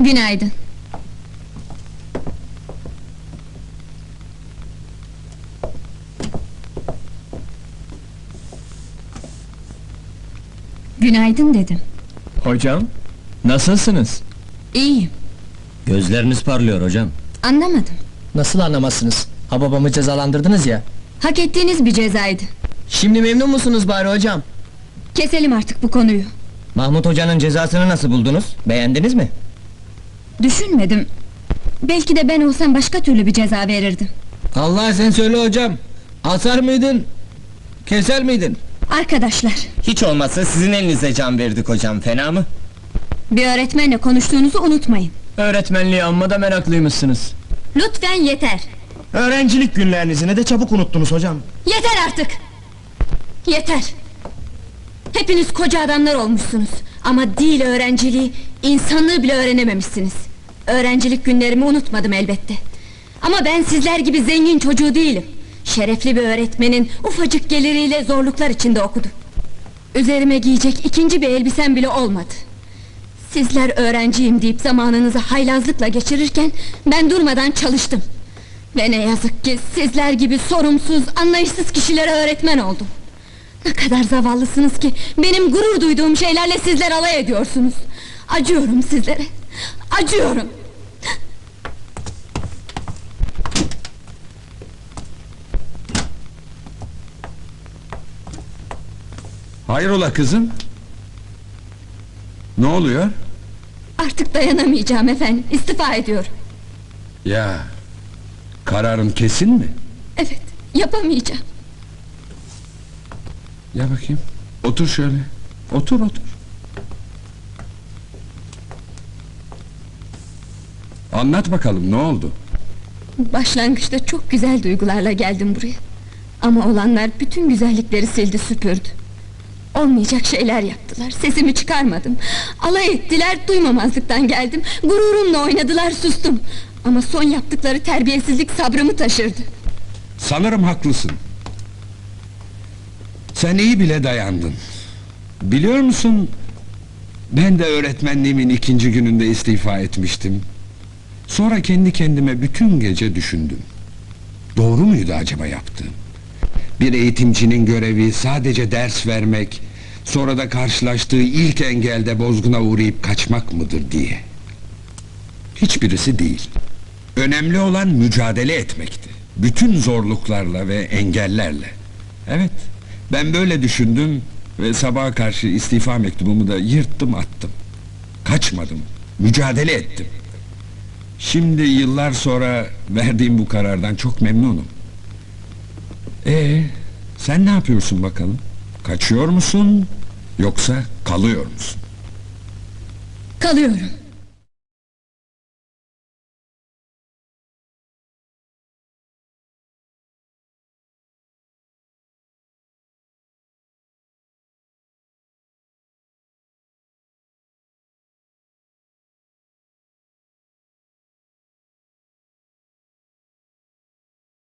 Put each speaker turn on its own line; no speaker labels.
Günaydın. Günaydın dedim.
Hocam, nasılsınız?
İyiyim.
Gözleriniz parlıyor hocam.
Anlamadım.
Nasıl anlamazsınız? Ha babamı cezalandırdınız ya.
Hak ettiğiniz bir cezaydı.
Şimdi memnun musunuz bari hocam?
Keselim artık bu konuyu.
Mahmut hocanın cezasını nasıl buldunuz? Beğendiniz mi?
Düşünmedim. Belki de ben olsam başka türlü bir ceza verirdim.
Allah sen söyle hocam. Asar mıydın? Keser miydin?
Arkadaşlar,
Hiç olmazsa sizin elinize can verdik hocam, fena mı?
bir öğretmenle konuştuğunuzu unutmayın.
Öğretmenliği amma da meraklıymışsınız.
Lütfen yeter.
Öğrencilik günlerinizi ne de çabuk unuttunuz hocam.
Yeter artık! Yeter! Hepiniz koca adamlar olmuşsunuz. Ama değil öğrenciliği, insanlığı bile öğrenememişsiniz. Öğrencilik günlerimi unutmadım elbette. Ama ben sizler gibi zengin çocuğu değilim. Şerefli bir öğretmenin ufacık geliriyle zorluklar içinde okudum. Üzerime giyecek ikinci bir elbisem bile olmadı. Sizler öğrenciyim deyip zamanınızı haylazlıkla geçirirken ben durmadan çalıştım. Ve ne yazık ki sizler gibi sorumsuz, anlayışsız kişilere öğretmen oldum. Ne kadar zavallısınız ki benim gurur duyduğum şeylerle sizler alay ediyorsunuz. Acıyorum sizlere, acıyorum.
Hayrola kızım? Ne oluyor?
Artık dayanamayacağım efendim, istifa ediyorum.
Ya, kararın kesin mi?
Evet, yapamayacağım.
Ya bakayım, otur şöyle. Otur. Anlat bakalım, ne oldu?
Başlangıçta çok güzel duygularla geldim buraya. Ama olanlar bütün güzellikleri sildi süpürdü. Olmayacak şeyler yaptılar, sesimi çıkarmadım. Alay ettiler, duymamazlıktan geldim. Gururumla oynadılar, sustum. Ama son yaptıkları terbiyesizlik sabrımı taşırdı.
Sanırım haklısın. Sen iyi bile dayandın. Biliyor musun, ben de öğretmenliğimin 2. gününde istifa etmiştim. Sonra kendi kendime bütün gece düşündüm. Doğru muydu acaba yaptığım? Bir eğitimcinin görevi sadece ders vermek, sonra da karşılaştığı ilk engelde bozguna uğrayıp kaçmak mıdır diye. Hiçbirisi değil. Önemli olan mücadele etmekti. Bütün zorluklarla ve engellerle. Evet, ben böyle düşündüm ve sabaha karşı istifa mektubumu da yırttım attım. Kaçmadım, mücadele ettim. Şimdi yıllar sonra verdiğim bu karardan çok memnunum. Sen ne yapıyorsun bakalım? Kaçıyor musun, yoksa kalıyor musun?
Kalıyorum.